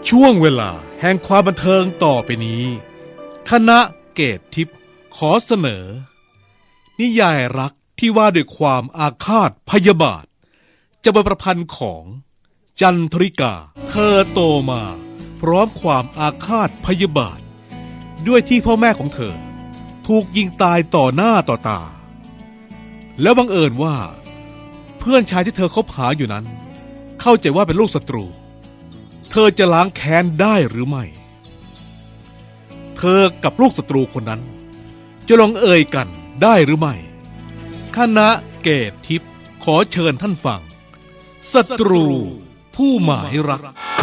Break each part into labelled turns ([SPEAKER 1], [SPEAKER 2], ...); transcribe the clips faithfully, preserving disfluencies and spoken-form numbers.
[SPEAKER 1] ช่วงเวลาแห่งความบันเทิงต่อไปนี้คณะเกตทิพย์ขอเสนอนิยายรักที่ว่าด้วยความอาฆาตพยาบาทจะเป็นประพันธ์ของจันทริกาเธอโตมาพร้อมความอาฆาตพยาบาทด้วยที่พ่อแม่ของเธอถูกยิงตายต่อหน้าต่อตาแล้วบังเอิญว่าเพื่อนชายที่เธอคบหาอยู่นั้นเข้าใจว่าเป็นลูกศัตรูเธอจะล้างแค้นได้หรือไม่เธอกับลูกศัตรูคนนั้นจะลงเอ่ยกันได้หรือไม่คณะเกตทิพย์ขอเชิญท่านฟังศัตรูผู้หมายรัก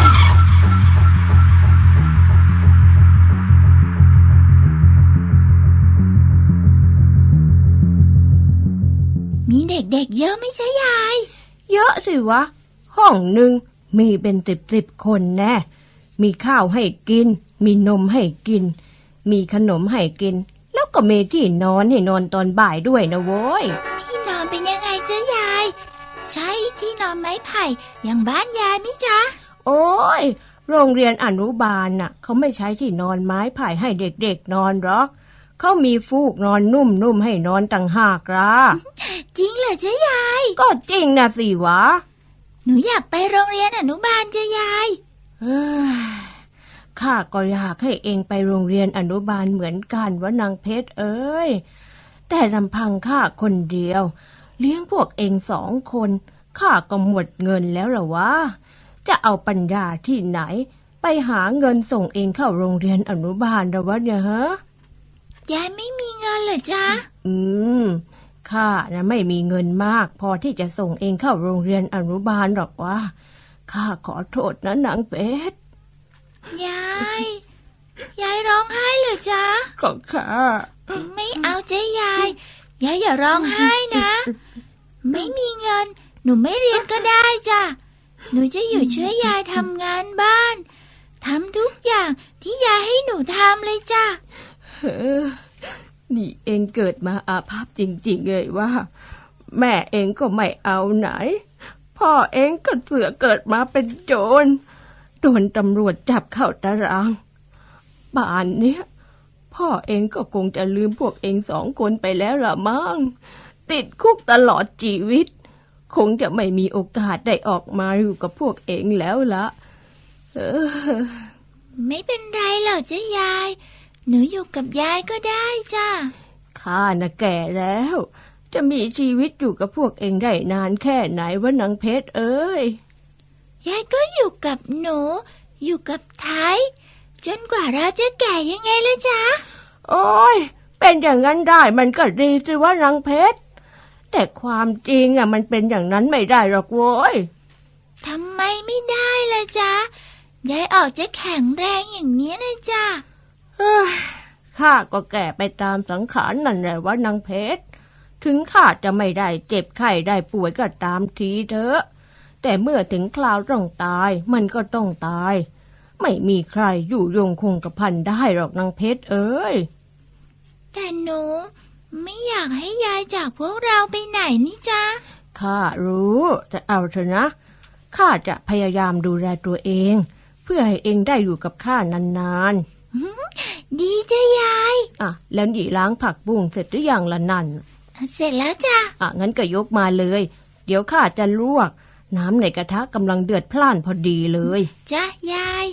[SPEAKER 2] มีเด็กๆเยอะไม่ใช่ยาย
[SPEAKER 3] เยอะสิวะห้องหนึ่งมีเป็นสิบสิบคนแน่มีข้าวให้กินมีนมให้กินมีขนมให้กินแล้วก็มีที่นอนให้นอนตอนบ่ายด้วยนะโว้ย
[SPEAKER 2] ที่นอนเป็นยังไงจ๊ะยายใช่ที่นอนไม้ไผ่อย่างบ้านยายมิจ๊ะ
[SPEAKER 3] โอ้ยโรงเรียนอนุบาลน่ะเขาไม่ใช้ที่นอนไม้ไผ่ให้เด็กๆนอนหรอกเขามีฟูกนอนนุ่มๆให้นอนต่างหากล่ะ
[SPEAKER 2] จริงเหรอจ๊ะยาย
[SPEAKER 3] ก็จริงนะสิวะ
[SPEAKER 2] หนูอยากไปโรงเรียนอนุบาลจ๊ะยาย
[SPEAKER 3] เฮ้ยข้าก็อยากให้เองไปโรงเรียนอนุบาลเหมือนกันวะนางเพชรเอ้ยแต่ลำพังข้าคนเดียวเลี้ยงพวกเองสองคนข้าก็หมดเงินแล้วล่ะวะจะเอาปัญญาที่ไหนไปหาเงินส่งเองเข้าโรงเรียนอนุบาลล่ะวะเนี่ยฮะ
[SPEAKER 2] ยายไม่มีเงินเหรอจ๊ะ
[SPEAKER 3] อืมข้านะไม่มีเงินมากพอที่จะส่งเองเข้าโรงเรียนอนุบาลหรอกวะข้าขอโทษนะนางเพชร
[SPEAKER 2] ยายยายร้องไห้เหรอจ๊ะ
[SPEAKER 3] ก็ข้า
[SPEAKER 2] ไม่เอาจ๊ะยายยายอย่าร้องไห้นะไม่มีเงินหนูไม่เรียนก็ได้จ้ะหนูจะอยู่ช่วยยายทำงานบ้านทำทุกอย่างที่ยายให้หนูทำเลยจ้ะ
[SPEAKER 3] เฮ้อนี่เองเกิดมาอาภัพจริงๆเลยว่าแม่เองก็ไม่เอาไหนพ่อเองก็เสือเกิดมาเป็นโจรโดนตำรวจจับเข้าตารางป่านเนี้ยพ่อเองก็คงจะลืมพวกเองสองคนไปแล้วล่ะมั้งติดคุกตลอดชีวิตคงจะไม่มีโอกาสได้ออกมาอยู่กับพวกเองแล้วละเออ
[SPEAKER 2] ไม่เป็นไรหรอกจ๊ะยายหนูอยู่กับยายก็ได้จ้ะ
[SPEAKER 3] ข้าน่ะแก่แล้วจะมีชีวิตอยู่กับพวกเองได้นานแค่ไหนวะนางเพชรเอ้ย
[SPEAKER 2] ยายก็อยู่กับหนูอยู่กับไทยจนกว่าเราจะแก่ยังไงล่ะจ๊ะ
[SPEAKER 3] โอ้ยเป็นอย่างนั้นได้มันก็ดีสิวะนางเพชรแต่ความจริงอ่ะมันเป็นอย่างนั้นไม่ได้หรอกโว้ย
[SPEAKER 2] ทำไมไม่ได้ล่ะจ๊ะยายออกจะแข็งแรงอย่างนี้นะจ๊ะ
[SPEAKER 3] เฮ้ยข้าก็แก่ไปตามสังขารนั่นแหละวะนางเพชรถึงข้าจะไม่ได้เจ็บไข้ได้ป่วยก็ตามทีเถอะแต่เมื่อถึงคราวต้องตายมันก็ต้องตายไม่มีใครอยู่ยงคงกระพันได้หรอกนางเพชรเอ้ย
[SPEAKER 2] แต่หนูไม่อยากให้ยายจากพวกเราไปไหนนี่จ๊ะ
[SPEAKER 3] ข้ารู้จะเอาเถอะนะข้าจะพยายามดูแลตัวเองเพื่อให้เองได้อยู่กับข้านาน
[SPEAKER 2] ๆดีจ้ะยาย
[SPEAKER 3] อ่ะแล้วหยีล้างผักบุ้งเสร็จหรือยังล่ะนั่น
[SPEAKER 2] เสร็จแล้วจ้ะ
[SPEAKER 3] อ่ะงั้นก็ยกมาเลยเดี๋ยวข้าจะลวกน้ำในกระทะกำลังเดือดพล่านพอดีเลย
[SPEAKER 2] จ้ะยาย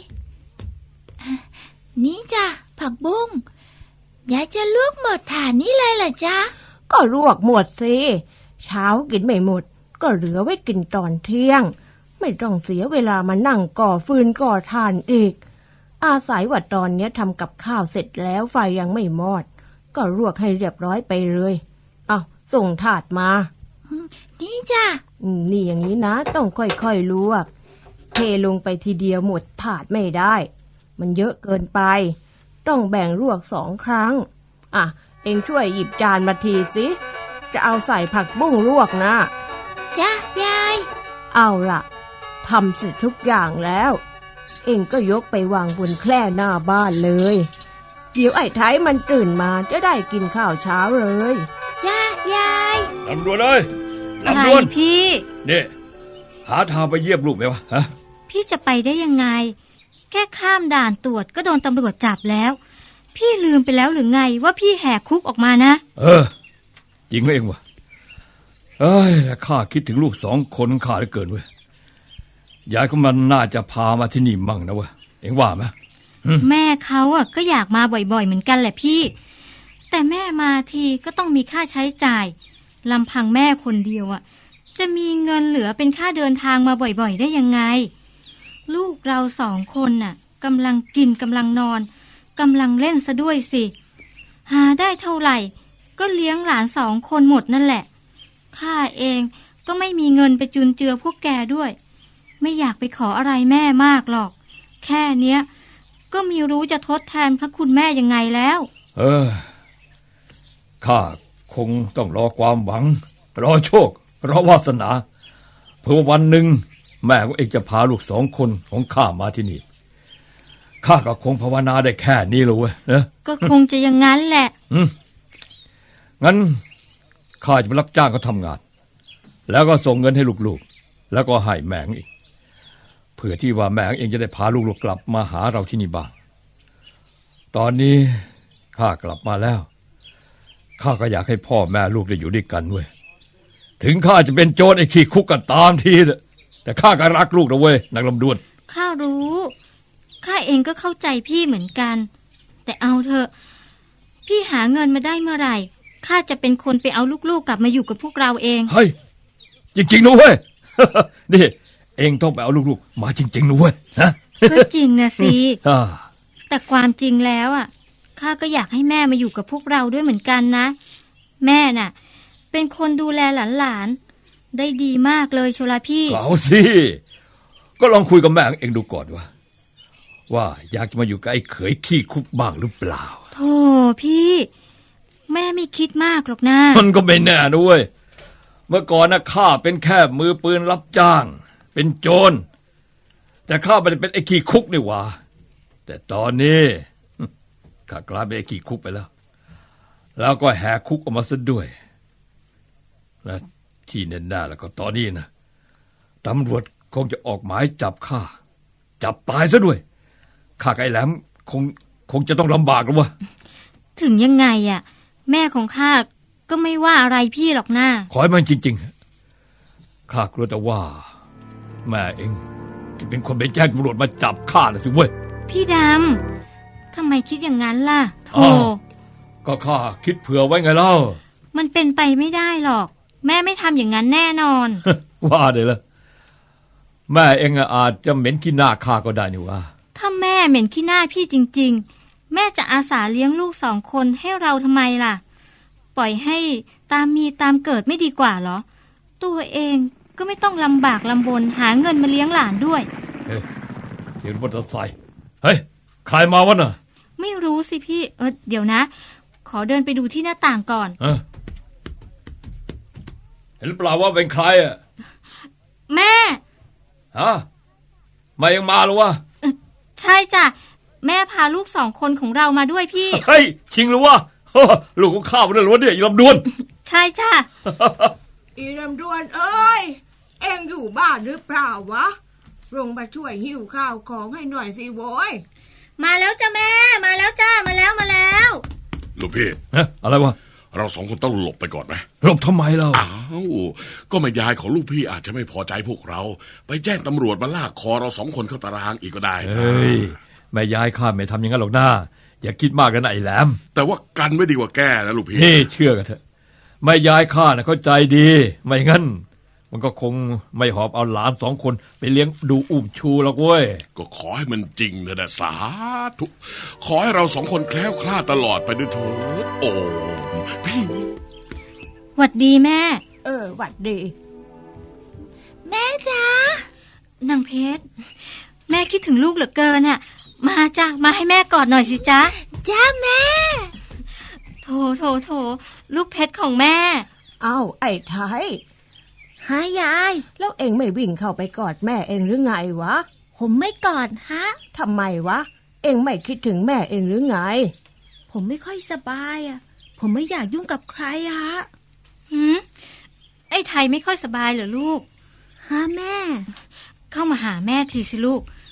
[SPEAKER 2] นี่จ้ะผักบุ้งยายจะลวกหมดถาดนี้เลยเหรอจ๊ะ
[SPEAKER 3] ก็ลวกหมดสิเช้ากินไม่หมดก็เหลือไว้กินตอนเที่ยงไม่ต้องเสียเวลามานั่งก่อฟืนก่อถ่านอีกอาศัยว่าตอนนี้ทำกับข้าวเสร็จแล้วไฟยังไม่มอดก็ลวกให้เรียบร้อยไปเลยเอาส่งถาดมา
[SPEAKER 2] นี่จ้ะ
[SPEAKER 3] นี่อย่างนี้นะต้องค่อยๆลวกเทลงไปทีเดียวหมดถาดไม่ได้มันเยอะเกินไปต้องแบ่งลวกสองครั้งอ่ะเอ็งช่วยหยิบจานมาทีสิจะเอาใส่ผักบุ้งลวกนะ
[SPEAKER 2] จ้ะยาย
[SPEAKER 3] เอาล่ะทำเสร็จทุกอย่างแล้วเอ็งก็ยกไปวางบนแคร่หน้าบ้านเลยเดี๋ยวไอ้ไทยมันตื่นมาจะได้กินข้าวเช้าเลย
[SPEAKER 2] จ้ะยาย
[SPEAKER 4] ลำดวนเลยลำดวนพี่เนี่ยหาทางไปเยี่ยมลูกไหมวะฮะ
[SPEAKER 5] พี่จะไปได้ยังไงแค่ข้ามด่านตรวจก็โดนตำรวจจับแล้วพี่ลืมไปแล้วหรือไงว่าพี่แหกคุกออกมานะ
[SPEAKER 4] เออจริงเองวะเอ้ยข้าคิดถึงลูกสองคนข้าเหลือเกินเว้ยยายก็มันน่าจะพามาที่นี่มั่งนะเว้ยเอ็งว่าไหม
[SPEAKER 5] แม่เขาอ่ะก็อยากมาบ่อยๆเหมือนกันแหละพี่แต่แม่มาทีก็ต้องมีค่าใช้จ่ายลำพังแม่คนเดียวอ่ะจะมีเงินเหลือเป็นค่าเดินทางมาบ่อยๆได้ยังไงลูกเราสองคนน่ะกำลังกินกำลังนอนกำลังเล่นซะด้วยสิหาได้เท่าไหร่ก็เลี้ยงหลานสองคนหมดนั่นแหละข้าเองก็ไม่มีเงินไปจุนเจือพวกแกด้วยไม่อยากไปขออะไรแม่มากหรอกแค่เนี้ยก็มีรู้จะทดแทนพระคุณแม่ยังไงแล้ว
[SPEAKER 4] เออข้าคงต้องรอความหวังรอโชครอวาสนาเพื่อวันหนึ่งแม่ของเองจะพาลูกสองคนของข้ามาที่นี่ข้าก็คงภาวนาได้แค่นี้เลยเว้ยนะ
[SPEAKER 5] ก็คงจะอย่างนั้นแหละ
[SPEAKER 4] อืมงั้นข้าจะไปรับจ้างเขาทำงานแล้วก็ส่งเงินให้ลูกๆแล้วก็ให้แม่อีกเพื่อที่ว่าแม่เองจะได้พาลูกๆกลับมาหาเราที่นี่บ้างตอนนี้ข้ากลับมาแล้วข้าก็อยากให้พ่อแม่ลูกได้อยู่ด้วยกันเว้ยถึงข้าจะเป็นโจรไอ้ขี้คุกกันตามทีแต่ข้าก็รักลูกนะเว้ยนางลำดวน
[SPEAKER 5] ข้ารู้ข้าเองก็เข้าใจพี่เหมือนกันแต่เอาเถอะพี่หาเงินมาได้เมื่อไหร่ข้าจะเป็นคนไปเอาลูกๆกลับมาอยู่กับพวกเราเอง
[SPEAKER 4] เฮ้ยจริงๆนะเว้ย นี่เองต้องไปเอาลูกๆมาจริงๆนะเว้ยฮะ
[SPEAKER 5] ก็จริงนะสิ แต่ความจริงแล้วอ่ะข้าก็อยากให้แม่มาอยู่กับพวกเราด้วยเหมือนกันนะแม่น่ะเป็นคนดูแลหลานๆได้ดีมากเลยโชลาพี่
[SPEAKER 4] เอาสิก็ลองคุยกับแม่เองดูก่อนว่าว่าอยากจะมาอยู่กับไอ้เขยขี้คุกบ้างหรือเปล่า
[SPEAKER 5] โธ่พี่แม่ไม่คิดมากหรอกนะ
[SPEAKER 4] มันก็ไม่แน่ด้วยเมื่อก่อนนะข้าเป็นแค่มือปืนรับจ้างเป็นโจรแต่ข้าไม่ได้เป็นไอ้ขี้คุกนี่หว่าแต่ตอนนี้ข้ากลายเป็นไอ้ขี้คุกไปแล้วแล้วก็แหกคุกออกมาซะด้วยและที่แน่ๆแล้วก็ตอนนี้นะตำรวจคงจะออกหมายจับข้าจับตายซะด้วยข้ากับไอ้แหลมคงคงจะต้องลำบากแล้ววะ
[SPEAKER 5] ถึงยังไงอ่ะแม่ของข้าก็ไม่ว่าอะไรพี่หรอกนะ
[SPEAKER 4] ขอให้มันจริงๆข้ากลัวแต่ว่าแม่เองจะเป็นคนไปแจ้งตำรวจมาจับข้าน่ะสิเว้ย
[SPEAKER 5] พี่ดำทำไมคิดอย่างนั้นล่ะโธ่
[SPEAKER 4] ก็ข้าคิดเผื่อไว้ไงเล่า
[SPEAKER 5] มันเป็นไปไม่ได้หรอกแม่ไม่ทำอย่างนั้นแน่นอน
[SPEAKER 4] ว่าเดี๋ยวละแม่เองอาจจะเหม็นขี้หน้าข้าก็ได้นี่ว่า
[SPEAKER 5] ถ้าแม่เหม็นขี้หน้าพี่จริงๆแม่จะอาสาเลี้ยงลูกสองคนให้เราทำไมล่ะปล่อยให้ตามมีตามเกิดไม่ดีกว่าเหรอตัวเองก็ไม่ต้องลำบากลำบนหาเงินมาเลี้ยงหลานด้วย
[SPEAKER 4] เฮ้ยเห็นมอเตอร์ไซค์เฮ้ยใครมาวะน่ะ
[SPEAKER 5] ไม่รู้สิพี่เออเดี๋ยวนะขอเดินไปดูที่หน้าต่างก่อน
[SPEAKER 4] เออเห็นหรือเปล่าว่าเป็นใครอ่ะ
[SPEAKER 5] แม่
[SPEAKER 4] ฮะมายังมาหรอวะ
[SPEAKER 5] ใช่จ้ะแม่พาลูกสองคนของเรามาด้วยพี่
[SPEAKER 4] เฮ้ยจริงหรือวะลูกของข้ามันหรือวะเนี่ยอีลำดวน
[SPEAKER 5] ใช่จ้ะ
[SPEAKER 3] อีลำดวนเอ้ยเอ็งอยู่บ้านหรือเปล่าวะลงมาช่วยหิ้วข้าวของให้หน่อยสิโว้ย
[SPEAKER 5] มาแล้วจ้ะแม่มาแล้วจ้ามาแล้วมาแล้ว
[SPEAKER 6] ลูกพี่
[SPEAKER 4] ฮะอะไรวะ
[SPEAKER 6] เราสองคนต้องหลบไปก่อนไหม
[SPEAKER 4] หลบทำไมเรา
[SPEAKER 6] อ้าวก็แม่ยายของลูกพี่อาจจะไม่พอใจพวกเราไปแจ้งตำรวจมาลากคอเราสองคนเข้าตารางอีกก็ได้
[SPEAKER 4] นะเฮ้ยแม่ยายข้าไม่ทำอย่างนั้นหรอกนะอย่าคิดมากกันนะไอ้แหลม
[SPEAKER 6] แต่ว่ากันไม่ดีกว่าแก้นะลูกพี่
[SPEAKER 4] นี่เชื่อกันเถอะแม่ยายข้าน่ะเข้าใจดีไม่งั้นมันก็คงไม่หอบเอาหลานสองคนไปเลี้ยงดูอุ้มชูหรอกเว้ย
[SPEAKER 6] ก็ขอให้มันจริงเถอะนะสาธุขอให้เราสองคนแคล้วคลาดตลอดไปด้วยเถิดโอ้พี่
[SPEAKER 5] หวัดดีแม่
[SPEAKER 3] เออหวัดดี
[SPEAKER 2] แม่จ้าน
[SPEAKER 5] างเพชรแม่คิดถึงลูกเหลือเกินอ่ะมาจ้ะมาให้แม่กอดหน่อยสิจ๊ะ
[SPEAKER 2] จ้าแม่
[SPEAKER 5] โถโถโถลูกเพชรของแม่
[SPEAKER 3] เอ้าไอ้ไทย
[SPEAKER 2] ฮะยาย
[SPEAKER 3] แล้วเอ็งไม่วิ่งเข้าไปกอดแม่เอ็งหรือไงวะ
[SPEAKER 2] ผมไม่กอดฮะ
[SPEAKER 3] ทำไมวะเอ็งไม่คิดถึงแม่เอ็งหรือไง
[SPEAKER 2] ผมไม่ค่อยสบายอ่ะผมไม่อยากยุ่งกับใครฮะ
[SPEAKER 5] หืมไอ้ไทยไม่ค่อยสบายเหรอลูก
[SPEAKER 2] ฮะแม่
[SPEAKER 5] เข้ามาหาแม่ทีสิลูก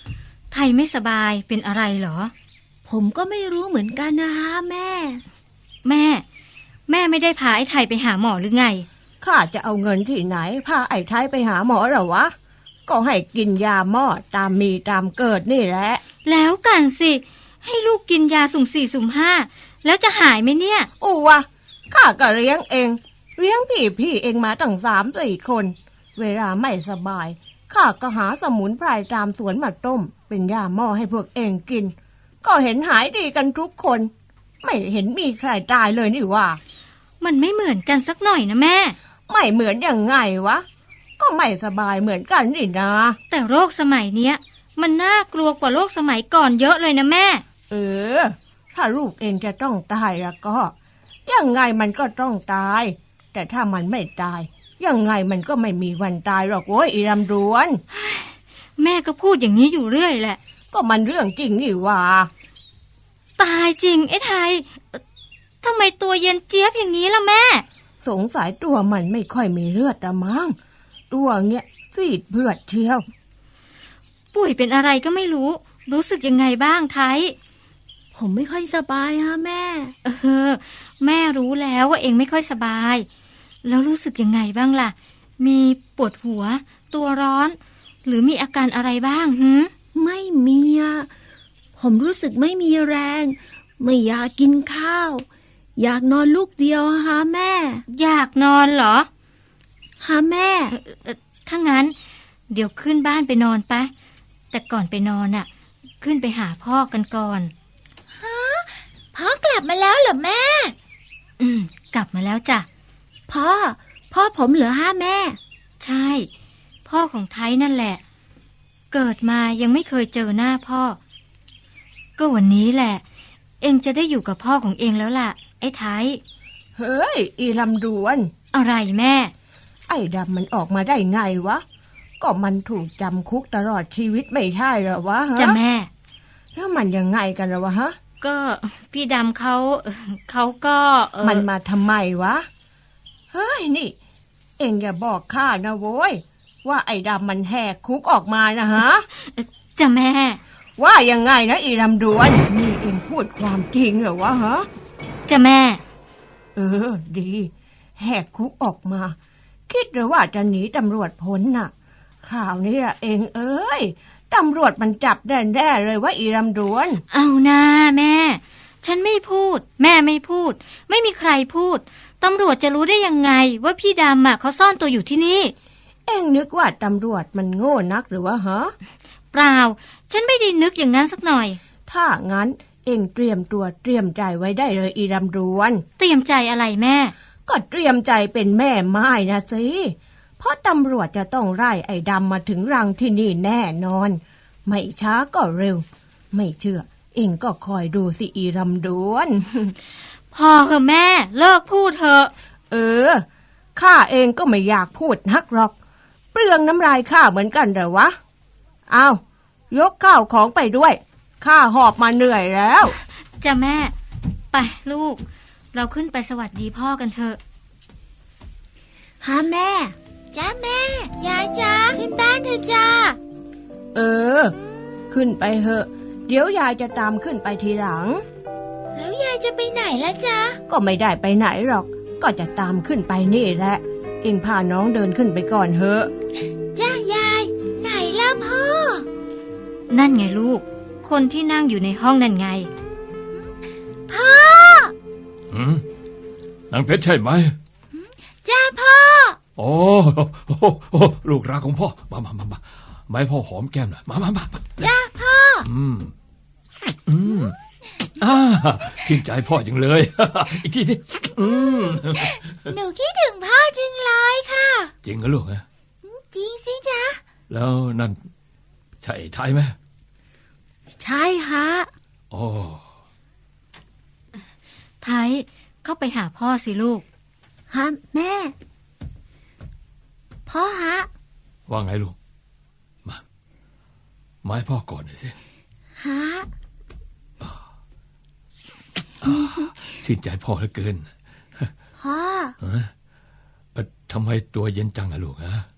[SPEAKER 5] ไทยไม่สบายเป็นอะไรเหรอ
[SPEAKER 2] ผมก็ไม่รู้เหมือนกันนะฮะแม่
[SPEAKER 5] แม่แม่ไม่ได้พาไอ้ไทยไปหาหมอหรือไง
[SPEAKER 3] ข้าจะเอาเงินที่ไหนพาไอ้ไทยไปหาหมอหรอวะก็ให้กินยาหม้อตามมีตามเกิดนี่แหละ
[SPEAKER 5] แล้วกันสิให้ลูกกินยาสุ่มสี่สุ่มห้าแล้วจะหายไหมเนี่ย
[SPEAKER 3] อู้วะข้าก็เลี้ยงเองเลี้ยงพี่พี่เองมาตั้งสามสี่คนเวลาไม่สบายข้าก็หาสมุนไพรตามสวนมาต้มเป็นยาหม้อให้พวกเองกินก็เห็นหายดีกันทุกคนไม่เห็นมีใครตายเลยนี่ว่า
[SPEAKER 5] มันไม่เหมือนกันสักหน่อยนะแม่
[SPEAKER 3] ไม่เหมือนยังไงวะก็ไม่สบายเหมือนกันนี่นะ
[SPEAKER 5] แต่โรคสมัยเนี้ยมันน่ากลัวกว่าโรคสมัยก่อนเยอะเลยนะแม่
[SPEAKER 3] เออถ้าลูกเองจะต้องตายแล้วก็ยังไงมันก็ต้องตายแต่ถ้ามันไม่ตายยังไงมันก็ไม่มีวันตายหรอกโว้ยอีรำดวน
[SPEAKER 5] แม่ก็พูดอย่างนี้อยู่เรื่อยแหละ
[SPEAKER 3] ก็มันเรื่องจริงนี่ว่า
[SPEAKER 5] ตายจริงไอ้ไทยทำไมตัวเย็นเจี๊ยบอย่างนี้ล่ะแม่
[SPEAKER 3] สงสัยตัวมันไม่ค่อยมีเลือดละมั้งตัวเงี้ยซีดเลือดเชียว
[SPEAKER 5] ปุ๋ยเป็นอะไรก็ไม่รู้รู้สึกยังไงบ้างไทย
[SPEAKER 2] ผมไม่ค่อยสบายฮะแม่
[SPEAKER 5] เออแม่รู้แล้วว่าเองไม่ค่อยสบายแล้วรู้สึกยังไงบ้างล่ะมีปวดหัวตัวร้อนหรือมีอาการอะไรบ้างหืม
[SPEAKER 2] ไม่มีอะผมรู้สึกไม่มีแรงไม่อยากกินข้าวอยากนอนลูกเดียวฮะแม่
[SPEAKER 5] อยากนอนเหรอ
[SPEAKER 2] ฮะแม่
[SPEAKER 5] ถ้างั้นเดี๋ยวขึ้นบ้านไปนอนปะแต่ก่อนไปนอนอ่ะขึ้นไปหาพ่อกันก่อน
[SPEAKER 2] ฮะพ่อกลับมาแล้วเหรอแม่
[SPEAKER 5] อืมกลับมาแล้วจ้ะ
[SPEAKER 2] พ่อพ่อผมเหรอฮะแม่
[SPEAKER 5] ใช่พ่อของไทยนั่นแหละเกิดมายังไม่เคยเจอหน้าพ่อก็วันนี้แหละเองจะได้อยู่กับพ่อของเองแล้วล่ะไอ้ไทย
[SPEAKER 3] เฮ้ยอีลำดวน
[SPEAKER 5] อะไรแม่
[SPEAKER 3] ไอ้ดำมันออกมาได้ไงวะก็มันถูกจำคุกตลอดชีวิตไม่ใช่เหรอวะฮะ
[SPEAKER 5] จะแม่
[SPEAKER 3] แล้วมันยังไงกันล่ะวะฮะ
[SPEAKER 5] ก็พี่ดำเขาเขาก็
[SPEAKER 3] มันมาทำไมวะเฮ้ยนี่เอ็งอย่าบอกข้านะโว้ยว่าไอ้ดำมันแหกคุกออกมานะฮะ
[SPEAKER 5] จะแม่
[SPEAKER 3] ว่ายังไงนะอีลำดวนนี่เอ็งพูดความจริงเหรอวะฮะ
[SPEAKER 5] จะแม่
[SPEAKER 3] เออดีแหกคุกออกมาคิดหรือว่าจะหนีตำรวจพ้นน่ะข่าวนี้ละเองเอ้ยตำรวจมันจับแน่ๆเลยว่าอีลำดวน
[SPEAKER 5] เอานะแม่ฉันไม่พูดแม่ไม่พูดไม่มีใครพูดตำรวจจะรู้ได้ยังไงว่าพี่ดำอ่ะเขาซ่อนตัวอยู่ที่นี่
[SPEAKER 3] เอ็งนึกว่าตำรวจมันโง่นักหรือวะฮะ
[SPEAKER 5] เปล่าฉันไม่ได้นึกอย่างนั้นสักหน่อย
[SPEAKER 3] ถ้างั้นเอ็งเตรียมตัวเตรียมใจไว้ได้เลยอีลำดวน
[SPEAKER 5] เตรียมใจอะไรแม่
[SPEAKER 3] ก็เตรียมใจเป็นแม่ไม้นะสิเพราะตำรวจจะต้องไล่ไอ้ดำมาถึงรังที่นี่แน่นอนไม่ช้าก็เร็วไม่เชื่อเอ็งก็คอยดูสิอีลำดวน
[SPEAKER 5] พอเถอะแม่เลิกพูดเถอะ
[SPEAKER 3] เออข้าเองก็ไม่อยากพูดนักหรอกเปลืองน้ำลายข้าเหมือนกันเหรอวะเอายกข้าวของไปด้วยข้าหอบมาเหนื่อยแล้ว
[SPEAKER 5] จ้ะแม่ไปลูกเราขึ้นไปสวัสดีพ่อกันเถอะ
[SPEAKER 2] ฮะแม่จ้าแม่ยายจ้าขึ้นบ้านเถอะจ้า
[SPEAKER 3] เออขึ้นไปเถอะเดี๋ยวยายจะตามขึ้นไปทีหลัง
[SPEAKER 2] แล้วยายจะไปไหนล่ะจ๊ะ
[SPEAKER 3] ก็ไม่ได้ไปไหนหรอกก็จะตามขึ้นไปนี่แหละเอ็งพาน้องเดินขึ้นไปก่อนเถอะ
[SPEAKER 2] จ้ายายไหนล่ะพ่อ
[SPEAKER 5] นั่นไงลูกคนที่นั่งอยู่ในห้องนั่นไง
[SPEAKER 2] พ่อ
[SPEAKER 4] หืมนางเพชรใช่ไหม
[SPEAKER 2] จ้าพ่อ
[SPEAKER 4] โอ้โอ้ลูกรักของพ่อมามามามามาให้พ่อหอมแก้มหน่อยมามามา
[SPEAKER 2] จ้าพ่อ
[SPEAKER 4] อืมอืมอ่าชื่นใจพ่อจังเลยอีกทีดิอืม
[SPEAKER 2] หนูคิดถึงพ่อจริงเลยค่ะ
[SPEAKER 4] จริงเหรอลูกฮะ
[SPEAKER 2] จริงสิจ๊ะ
[SPEAKER 4] แล้วนั่นใช่ไทยไหม
[SPEAKER 2] ใช่ฮะ
[SPEAKER 4] โอ้
[SPEAKER 5] ไทยเข้าไปหาพ่อสิลูก
[SPEAKER 2] ฮะแม่พ่อฮะ
[SPEAKER 4] ว่าไงลูกมามาให้พ่อก่อนหน่อยสิ
[SPEAKER 2] ฮะ
[SPEAKER 4] ชื่นใจพ่อเหลือเกิน
[SPEAKER 2] พ่อ
[SPEAKER 4] ทำไมตัวเย็นจังอะลูกฮะ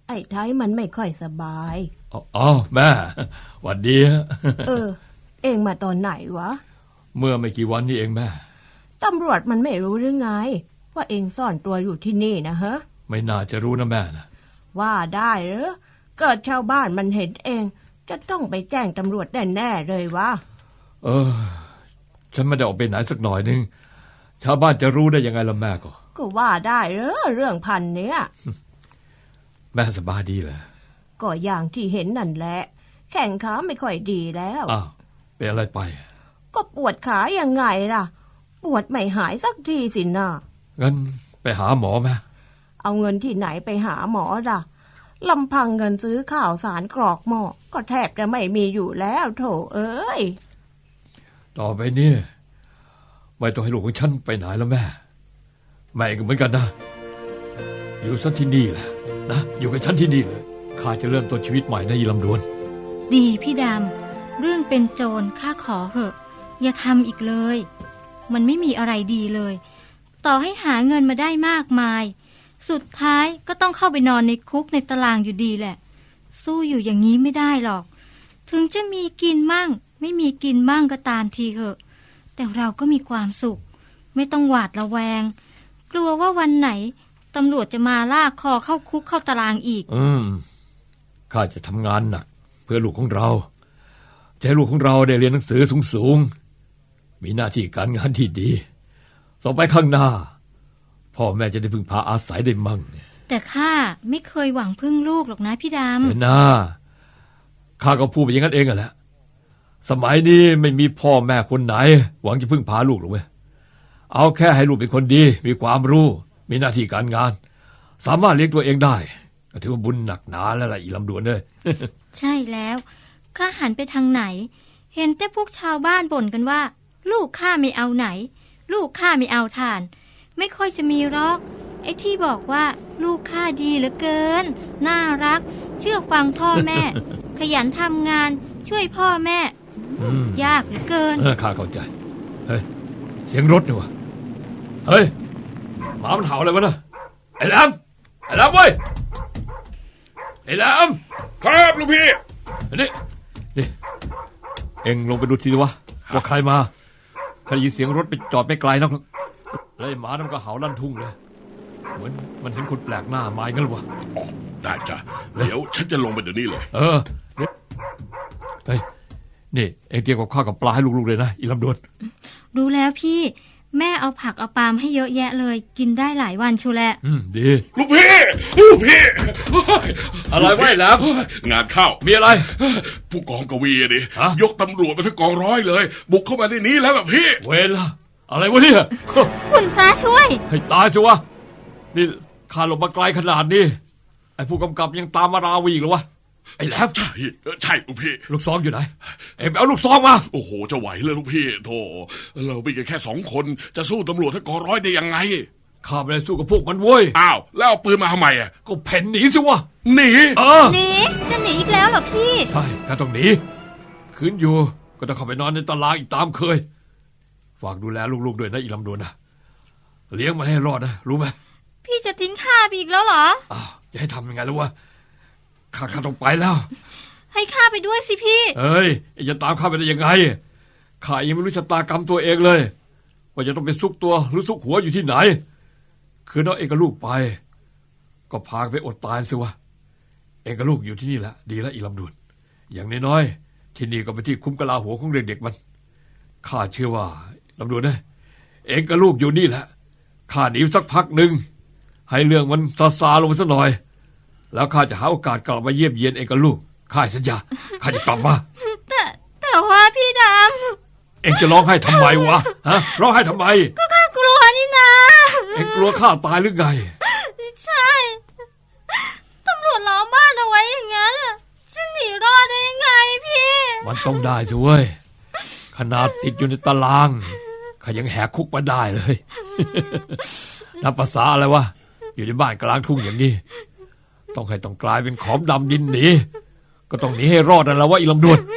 [SPEAKER 3] ไอ้ไทยมันไม่ค่อยสบาย
[SPEAKER 4] อ๋อแม่หวัดดีฮะ
[SPEAKER 3] เออ เองมาตอนไหนวะ
[SPEAKER 4] เมื่อไม่กี่วันนี้เองแม่
[SPEAKER 3] ตำรวจมันไม่รู้หรือไง ว่าเองซ่อนตัวอยู่ที่นี่นะฮะ
[SPEAKER 4] ไม่น่าจะรู้นะแม่นะ
[SPEAKER 3] ว่าได้เหรอเกิดชาวบ้านมันเห็นเอง จะต้องไปแจ้งตำรวจแน่ๆเลยวะ
[SPEAKER 4] เออ ฉันไม่ได้ออกไปไหนสักหน่อยนึงชาวบ้านจะรู้ได้ยังไงล่ะแม่ก็
[SPEAKER 3] ก็ว่าได้เหรอเรื่องพันเนี้ย
[SPEAKER 4] แม่สบายดีเหรอ
[SPEAKER 3] ก็อย่างที่เห็นนั่นแหละ แข้งขาไม่ค่อยดีแล้ว
[SPEAKER 4] อ้าวเป็นอะไรไป
[SPEAKER 3] ก็ปวดขายังไงล่ะ ปวดไม่หายสักทีสินะ
[SPEAKER 4] งั้นไปหาหมอไหม
[SPEAKER 3] เอาเงินที่ไหนไปหาหมอล่ะลำพังเงินซื้อข้าวสารกรอกหม้อก็แทบจะไม่มีอยู่แล้วโถเอ้ย
[SPEAKER 4] ต่อไปนี่ไม่ต้องให้ลูกของฉันไปไหนแล้วแม่แม่ก็เหมือนกันนะอยู่สักที่นี่แหละนะอยู่กับฉันที่นี่เลยข้าจะเริ่มต้นชีวิตใหม่ในอีลำดวน
[SPEAKER 5] ดีพี่ดำเรื่องเป็นโจรข้าขอเหอะอย่าทำอีกเลย มันไม่มีอะไรดีเลย ต่อให้หาเงินมาได้มากมายสุดท้ายก็ต้องเข้าไปนอนในคุกในตารางอยู่ดีแหละสู้อยู่อย่างนี้ไม่ได้หรอกถึงจะมีกินมั่งไม่มีกินมั่งก็ตามทีเถอะแต่เราก็มีความสุขไม่ต้องหวาดระแวงกลัวว่าวันไหนตำรวจจะมาลากคอเข้าคุกเข้าตารางอีก
[SPEAKER 4] อืมข้าจะทำงานหนักเพื่อลูกของเราจะให้ลูกของเราได้เรียนหนังสือสูงๆมีหน้าที่การงานที่ดีต่อไปข้างหน้าพ่อแม่จะได้พึ่งพาอาศัยได้มั่ง
[SPEAKER 5] แต่ข้าไม่เคยหวังพึ่งลูกหรอกนะพี่ดำ
[SPEAKER 4] เห็นนะข้าก็พูดไปอย่างนั้นเองแหละสมัยนี้ไม่มีพ่อแม่คนไหนหวังจะพึ่งพาลูกหรอกเว้ยเอาแค่ให้ลูกเป็นคนดีมีความรู้มีหน้าที่การงานสามารถเลี้ยงตัวเองได้ก็ถือว่าบุญหนักหนาแล้วล่ะอีลำดวนเลย
[SPEAKER 5] ใช่แล้วข้าหันไปทางไหนเห็นแต่พวกชาวบ้านบ่นกันว่าลูกข้าไม่เอาไหนลูกข้าไม่เอาทานไม่ค่อยจะมีหรอกไอ้ที่บอกว่าลูกข้าดีเหลือเกินน่ารักเชื่อฟังพ่อแม่ ขยันทำงานช่วยพ่อแม่ยากเหลือเกิน
[SPEAKER 4] ข้าเข้าใจเฮ้ยเสียงรถนี่วะเฮ้ยหมามันเห่าอะไรวะนะไอ้แหลมไอ้แหลมเว้ยไอ้แหลม
[SPEAKER 6] ครับลูกพี่
[SPEAKER 4] นี่นี่เอ็งลงไปดูทีวะว่าใครมาข้าได้ยินเสียงรถไปจอดไม่ไกลนักแล้วไอ้หมานั่นก็เห่าลั่นทุ่งเลยเหมือนมันเห็นคนแปลกหน้ามาอย่างนั้นหรอวะ
[SPEAKER 6] อ๋อได้จ้ะเดี๋ยวฉันจะลงไปเดี๋ยวนี้เลย
[SPEAKER 4] เออเฮ้ยนี่เอ็งเตรียมกับข้าวกับปลาให้ลูกๆเลยนะอีลำดวน
[SPEAKER 5] รู้แล้วพี่แม่เอาผักเอาปาล์มให้เยอะแยะเลยกินได้หลายวันชูแล
[SPEAKER 4] อืมดี
[SPEAKER 6] ลูกพี่ลูกพี่
[SPEAKER 4] อะไรไว้แล้ว
[SPEAKER 6] งานเข้า
[SPEAKER 4] มีอะไร
[SPEAKER 6] ผู้กองกวีดิยกตำรวจมาทั้งกองร้อยเลยบุกเข้ามาในนี้แล้วแบบพี่
[SPEAKER 4] เวลาอะไรวะเนี่ย
[SPEAKER 5] คุณพระช่วย
[SPEAKER 4] ให้ตายสิวะนี่ข้าลงมาไกลขนาดนี้ไอ้ผู้กำกับยังตามมาราวีอีกเหรอวะไอ้แหลม
[SPEAKER 6] ใช่ใช่ลูกพี่
[SPEAKER 4] ลูกซองอยู่ไหนเอ็งไปเอาลูกซองมา
[SPEAKER 6] โอ้โหจะไหวเลยลูกพี่โธ่เรามีกันแค่สองคนจะสู้ตำรวจทั้งกองร้อยได้ยังไง
[SPEAKER 4] ข้าไม่ได้สู้กับพวกมันเว้ย
[SPEAKER 6] อ้าวแล้วเอาปืนมาทำไมอ่ะ
[SPEAKER 4] ก็เพ่นหนีสิวะ
[SPEAKER 6] หนี
[SPEAKER 4] เออ
[SPEAKER 5] หนีจะหนีอีกแล้วเหรอพี่
[SPEAKER 4] ใช่ข้าต้องหนีคืนอยู่ก็ต้องเข้าไปนอนในตารางอีกตามเคยฝากดูแลลูกๆด้วยนะอีลำดวนนะเลี้ยงมันให้รอดนะรู้ไหม
[SPEAKER 5] พี่จะทิ้งข้าไปอีกแล้วเหรอ
[SPEAKER 4] อ้าวจะให้ทำยังไงแล้ววะข้าข้าต้องไปแล้ว
[SPEAKER 5] ให้ข้าไปด้วยสิพี่
[SPEAKER 4] เอ้ยจะตามข้าไปได้ยังไงข้ายังไม่รู้ชะตากรรมตัวเองเลยว่าจะต้องไปซุกตัวหรือซุกหัวอยู่ที่ไหนคือน้องเองกับลูกไปก็พาไปอดตายสิวะเองกับลูกอยู่ที่นี่แหละดีแล้วอีลำดวนอย่างน้อยๆที่นี่ก็เป็นที่คุ้มกะลาหัวของเด็กๆมันข้าเชื่อว่าลำดวนนะเองกับลูกอยู่นี่แหละข้าหนีสักพักหนึ่งให้เรื่องมันซาซาลงไปสักหน่อยแล้วข้าจะหาโอกาสกลับมาเยี่ยมเยียนเองกับลูกข้าสัญญาข้าจะกลับมา
[SPEAKER 5] แต่แต่ว่าพี่ดำ
[SPEAKER 4] เองจะร้องไห้ทำไมวะฮะร้องไห้ทำไม
[SPEAKER 5] ก็ข้ากลัวนี่นะ
[SPEAKER 4] เองกลัวข้าตายหรือไง
[SPEAKER 5] ใช่ตำรวจล้อมบ้านเอาไว้อย่างนั้นจะหนีรอดได้ยังไงพี่
[SPEAKER 4] มันต้องได้สิเว้ยขนาดติดอยู่ในตารางข้ายังแหกคุกมาได้เลยนับภาษาอะไรวะอยู่ในบ้านกลางทุ่งอย่างนี้ต้องให้ต้องกลายเป็นขอมดำดินหนีก็ต้องหนีให้รอดนั่นแหละว่าอีลำดวน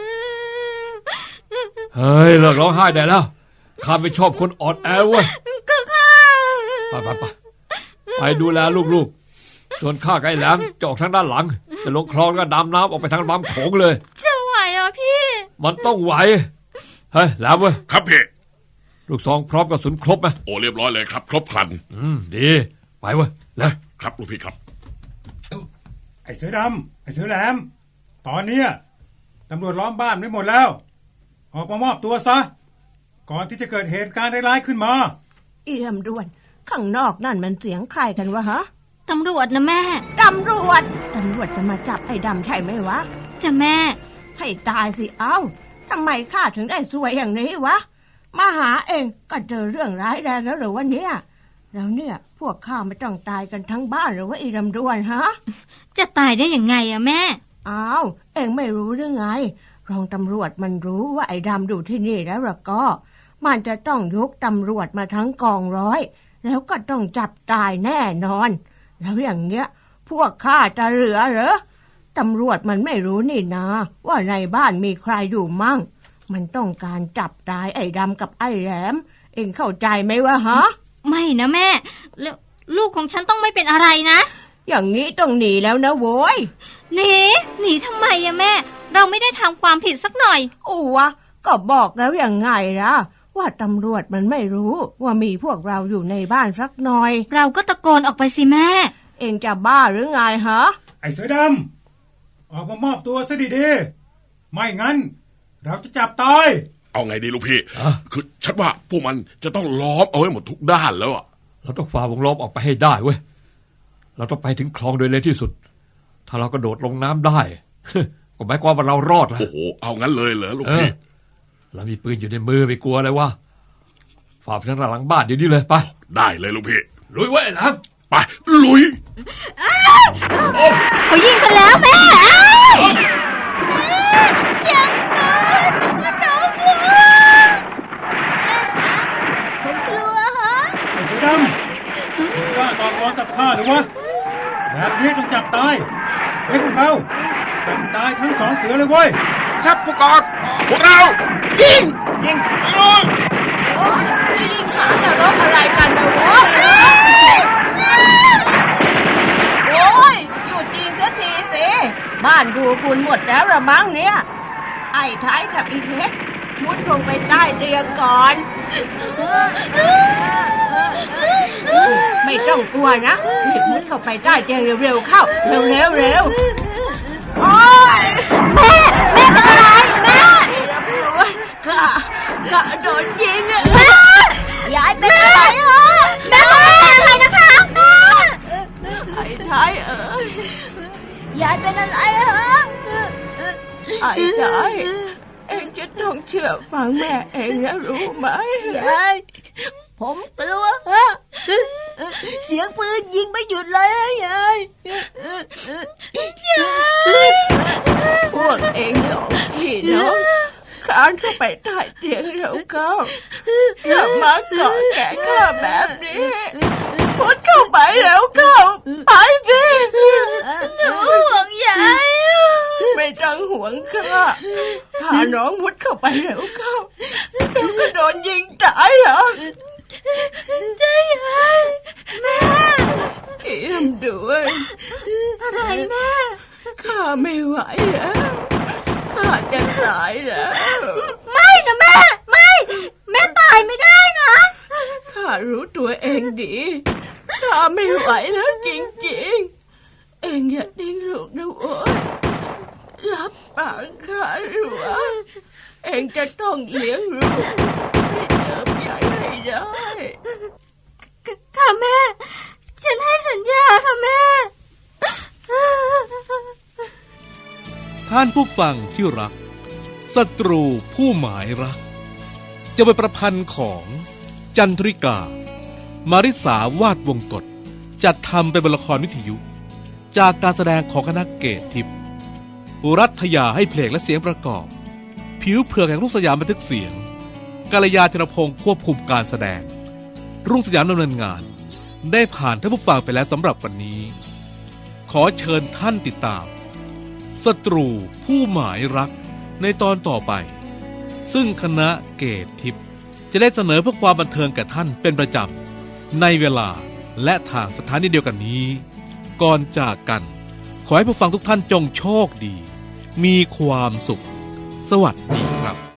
[SPEAKER 4] เฮ้ยเลิกร้องไห้ได้แล้วข้าไม่ชอบคนอ่อนแอเว้ย
[SPEAKER 5] ก็ข้า
[SPEAKER 4] ไปไปไปไปดูแลลูกๆส่วนข้ากับไอ้แหลมจะออกทางด้านหลังจะลงคลองแล้วก็ดำน้ำออกไปทางลำโขงเลย
[SPEAKER 5] จะไหวเหรอพี่
[SPEAKER 4] มันต้องไหวเฮ้ยแหลมเว้ย
[SPEAKER 6] ครับพี่
[SPEAKER 4] ลูกซองพร้อมกระสุนครบไหม
[SPEAKER 6] โอ้เรียบร้อยเลยครับ ครบครัน
[SPEAKER 4] อืมดีไปเว้ยเลย
[SPEAKER 6] ครับลูกพี่ครับ
[SPEAKER 7] ไอ้เสือดำไอ้เสือแหลม ตอนเนี้ยตำรวจล้อมบ้านไม่หมดแล้ว ออกมามอบตัวซะ ก่อนที่จะเกิดเหตุการณ์ร้ายๆขึ้นมา
[SPEAKER 3] อีลำดวนข้างนอกนั่นมันเสียงใครกันวะฮะ
[SPEAKER 5] ตำรวจนะแม่
[SPEAKER 3] ตำรวจตำรวจจะมาจับไอ้ดำใช่ไหมวะ
[SPEAKER 5] จะแม่
[SPEAKER 3] ให้ตายสิเอ้าทำไมข้าถึงได้สวยอย่างนี้วะมาหาเองก็เจอเรื่องร้ายแรงแล้วหรือวะเนี่ยแล้วเนี่ยพวกข้าไม่ต้องตายกันทั้งบ้านหรือว่าอีลำดวนฮะ
[SPEAKER 5] จะตายได้ยังไงอะแม่
[SPEAKER 3] อ้าวเองไม่รู้หรือไงรองตำรวจมันรู้ว่าไอ้ดำอยู่ที่นี่แล้วล่ะก็ มันจะต้องยกตำรวจมาทั้งกองร้อยแล้วก็ต้องจับตายแน่นอน แล้วอย่างเงี้ยพวกข้าจะเหลือเหรอตำรวจมันไม่รู้นี่นาว่าในบ้านมีใครอยู่มั่งมันต้องการจับตายไอ้ดำกับไอ้แหลมเองเข้าใจไหมวะฮะ
[SPEAKER 5] ไม่นะแม่แล้วลูกของฉันต้องไม่เป็นอะไรนะ
[SPEAKER 3] อย่างนี้ต้องหนีแล้วนะโว้ย
[SPEAKER 5] หนีหนีทำไมอะแม่ เราไม่ได้ทำความผิดสักหน่อย
[SPEAKER 3] อู้วะก็บอกแล้วอย่างไงล่ะว่าตำรวจมันไม่รู้ว่ามีพวกเราอยู่ในบ้านสักหน่อย
[SPEAKER 5] เราก็ตะโกนออกไปสิแม่
[SPEAKER 3] เองจะบ้าหรือไงฮะ
[SPEAKER 7] ไอ้เสือดำ ออกมามอบตัวซะดีๆ ไม่งั้น เราจะจับตาย
[SPEAKER 6] เอาไงดีลูกพี่ คือฉันว่าพวกมันจะต้องล้อมเอาไว้หมดทุกด้านแล้วอะ
[SPEAKER 4] เราต้องฝ่าวงล้อมออกไปให้ได้เว้ยเราต้องไปถึงคลองโดยเร็วที่สุดถ้าเรากระโดดลงน้ำได้ ก็หมายความว่าเรารอดแล้ว
[SPEAKER 6] โอ้โหเอางั้นเลยเหรอลูก
[SPEAKER 4] เออ
[SPEAKER 6] พี่
[SPEAKER 4] เรามีปืนอยู่ในมือไม่กลัวอะไรวะฝ่าไปทางหลังบ้านเดี๋ยวนี้เลยไป
[SPEAKER 6] ได้เลยลูกพี่
[SPEAKER 4] ลุยไว้ไอ้แหลม
[SPEAKER 6] ไปลุย
[SPEAKER 5] เขายิงกันแล้วแม่ยังเกินน้องกลัวผมกลัวฮะ
[SPEAKER 7] ไอ้เสือดำมึงกล้าต่อกรกับข้าหรือวะ แบบนี้ต้องจับตายเฮ้ยพวกเรา จับตายทั้งสองเสือเลยเว้ย
[SPEAKER 6] ครับผู้กองพวกเรายิงยิงยิง
[SPEAKER 3] โอ้ยนี่ลิงขานรกอะไรกันนะโว้ยโอ้ยหยุดยิงสักทีสิบ้านดูคุณหมดแล้วละมั้งเนี่ยไอ้ท้ายกับอีเพชรมุดลงไปใต้เตียงก่อนไม่ต้องกลัวนะรีบมุดเข้าไปใต้เตียงเร็วๆเข้าเร็วๆเร็วโอ้ยแม่แม่เป็นอะไรแม่ข้าข้าโดนยิงอะยายเป็นอะไรฮะแม่บอกไม่เป็นอะไรนะคะไอ้ท้ายเอ้ยยายเป็นอะไรฮะไอ้ท้ายเองจะต้องเชื่อฟังแม่เองนะรู้ไหมยายผมกลัวฮะเสียงปืนยิงไม่หยุดเลยฮะยายยายพวกเองสองพี่น้องคลานเข้าไปใต้เตียงเราเข้าอย่ามาเกาะแกะข้าแบบนี้พุดเข้าไปแล้วเข้าไปสิหนูห่วงยายไม่ต้องห่วงข้าพาน้องพุดเข้าไปแล้วเข้าเดี๋ยวก็โดนยิงตายเหรอใจยายแม่อีลำดวนอะไรแม่ข้าไม่ไหวแล้วข้าจะตายแล้วไม่นะแม่ไม่แม่ตายไม่ได้นะข้ารู้ตัวเองดีข้าไม่ไหวแล้วจริงๆเองอย่าดิ้งลูกนะโว้ยรับปากข้าหรือว่าเองจะต้องเลี้ยงลูกให้เติบใหญ่ให้ได้ค่ะแม่ฉันให้สัญญาค่ะแม่
[SPEAKER 1] ท่านผู้ฟังที่รักศัตรูผู้หมายรักจะเป็นประพันธ์ของจันทริกามาริสาวาดวงกฎจัดทำเป็นบทละครวิทยุ จากการแสดงของคณะเกตทิพย์รัฐยาให้เพลงและเสียงประกอบผิวเผือกแห่งรุ่งสยามบันทึกเสียงกาลยาธนพงศ์ควบคุมการแสดงรุ่งสยามดำเนินงานได้ผ่านท่านผู้ฟังไปแล้วสำหรับวันนี้ขอเชิญท่านติดตามศัตรูผู้หมายรักในตอนต่อไปซึ่งคณะเกตทิพย์จะได้เสนอเพื่อความบันเทิงแก่ท่านเป็นประจำในเวลาและทางสถานีเดียวกันนี้ก่อนจากกัน ขอให้ผู้ฟังทุกท่านจงโชคดี มีความสุข สวัสดีครับ